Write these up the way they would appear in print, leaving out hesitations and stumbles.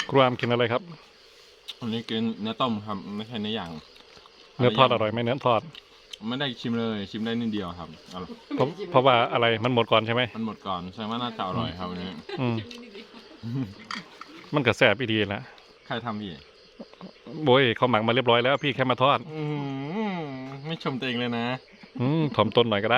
ครูอามกินอะไรครับวันนี้กินเนื้อต้มครับไม่ใช่เนื้อย่างเนื้อทอดอร่อยไหมเนื้อทอดไม่ได้ชิมเลยชิมได้นิดเดียวครับเพราะว่าอะไรมันหมดก่อนใช่ไหมมันหมดก่อนแสดงว่าน่าจะอร่อยครับวันนี้อืมมันก็แซ่บอีดีนะใครทำพี่โบยเขาหมักมาเรียบร้อยแล้วพี่แค่มาทอดไม่ชมตัวเองเลยนะถ่อมต้นหน่อยก็ได้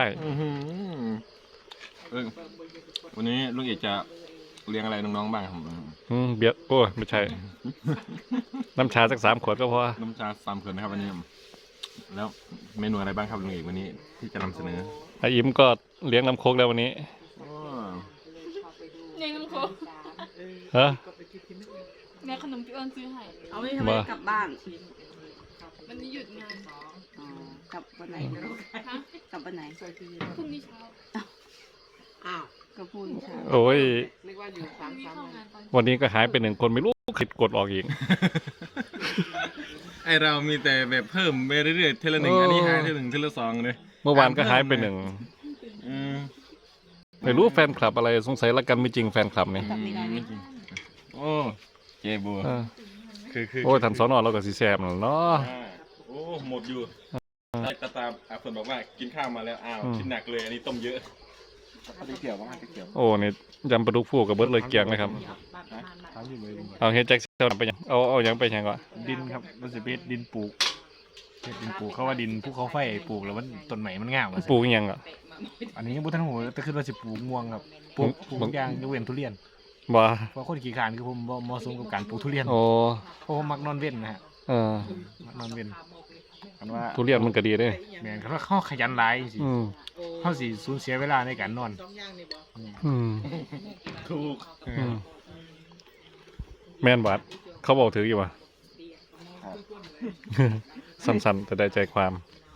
วันนี้ลุงเอกจะเลี้ยงอะไรน้องๆบ้างครับเบียร์โอ้ยไม่ใช่ น้ำชาสัก3 ขวดก็พอน้ำชา3 ขวดนะครับวันนี้ แล้วเมนูอะไรบ้างครับลุงเอกวันนี้ที่จะนำเสนอไออิมก็เลี้ยงน้ำโคกแล้ววันนี้เลี้ยงน้ำโคกฮะแม่ขนมพี่เอิญซื้อให้เอาไว้ทำไมกลับบ้านวันนี้หยุดงานอ๋อกลับวันไหนฮะกลับวันไหนพรุ่งนี้เช้าก็พูดใช่โอ้ยพรุ่งนี้เข้างานตอนวันนี้ก็หายไป1 คนไม่รู้คิดกดออกอีกไอเรามีแต่แบบเพิ่มไปเรื่อยๆเทละหนึ่งอันนี้หายเทละหนึ่งเทละสองเลยเมื่อวานก็หายไป1 ไม่รู้แฟนคลับอะไรสงสัยละกันไม่จริงแฟนคลับนี่ไม่จริงโอ้เจบัวเออคือโอ้ยทันสอนอเราก็สีแซมแล้วเนาะโอ้หมดอยู่ได้ตาตามเพิ่นบอกว่ากินข้าวมาแล้วอ้าวกินหนักเลยอันนี้ต้มเยอะเกี่ยวว่าเกี่ยวโอ้นี่ยำปลาดุกฟูกับเบิร์ดเลยเกียงเลยครับถามอยู่เลยเอาเฮ็ดแจ็คเซลไปยังเอายังไปยังก่อนดินครับมันจะเป็นดินปลูกดินปลูกเขาว่าดินภูเขาไฟปลูกแล้วมันต้นใหม่มันงามอะปลูกอิหยังอ่ะอันนี้บุทันหูแต่คือเราจะปลูกม่วงครับปลูกทุกอย่างยกเว้นทุเรียนบ่เพราะคนขี้ขลาดคือผมบ่เหมาะสมกับการปลูกทุเรียนโอ้เพราะผมมักนอนเว้นนะฮะเออมักนอนเว้นกันว่าทุเรียนมันก็ดีเด้แม่นเขาขยันหลายสิอืมเขาสิสูญเสียเวลาในการนอนอืมถูกอืมแม่นบัดเขาบอกถืออยู่ว่ะสั้นๆแต่ได้ใจความ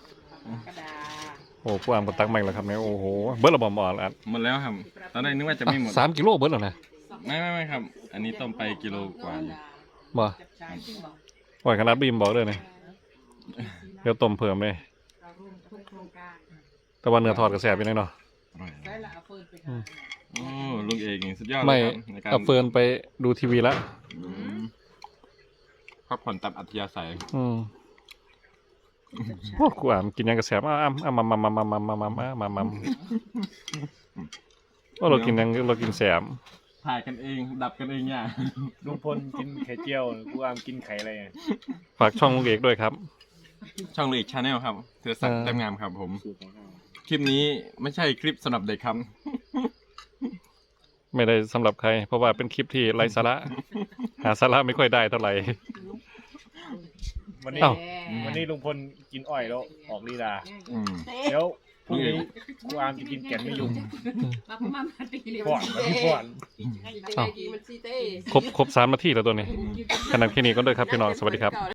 โอ้ผู้อ่านก็ตักใหม่แล้วครับเนี่ยโอ้โหเบิร์ดระบอมอ่อนแล้วหมดแล้วครับตอนแรกนึกว่าจะไม่หมด 3 กิโลเบิร์ดแล้วนะไม่ครับ อันนี้ต้มไปกิโลกว่าอยู่บ่ปล่อยขนาดบีมบอกเลยเนี่ยเดี๋ยวต้มเพิ่มเลยแต่ว่าเนื้อทอดก็แซ่บไปหน่อยเนาะอร่อยโอ้ลุงเอกนี่สุดยอดเลไม่ยครับในการเอาเฟิร์นไปดูทีวีแล้วพักผ่อนตามอัธยาศัยโอ้กูอ่านกินยังกระแสบมาโอ้เรากินยังเรากินแสมถ่ายกันเองดับกันเองเนี่ยลุงพลกินไข่เจียวกูอามกินไข่อะไรอะฝากช่องลุงเอกด้วยครับช่องลุงเอกชาแนลครับเธอสักเออเต็มงามครับผม คลิปนี้ไม่ใช่คลิปสำหรับเด็กครับไม่ได้สำหรับใคร เพราะว่าเป็นคลิปที่ไร้สาระ หาสาระไม่ค่อยได้เท่าไหร่วันนี้เอ้าวันนี้ลุงพลกินอ้อยแล้วออกลีลาอืมเดี๋ยวพรุ่งนี้กูอามจะกินแกงไม่ยุ่งมาประมาณปีเลยก่อนพี่ก่อนครบ3 นาทีแล้วตัวนี้ขนาดแค่นี้ก็ด้วยครับพี่น้องสวัสดีครับ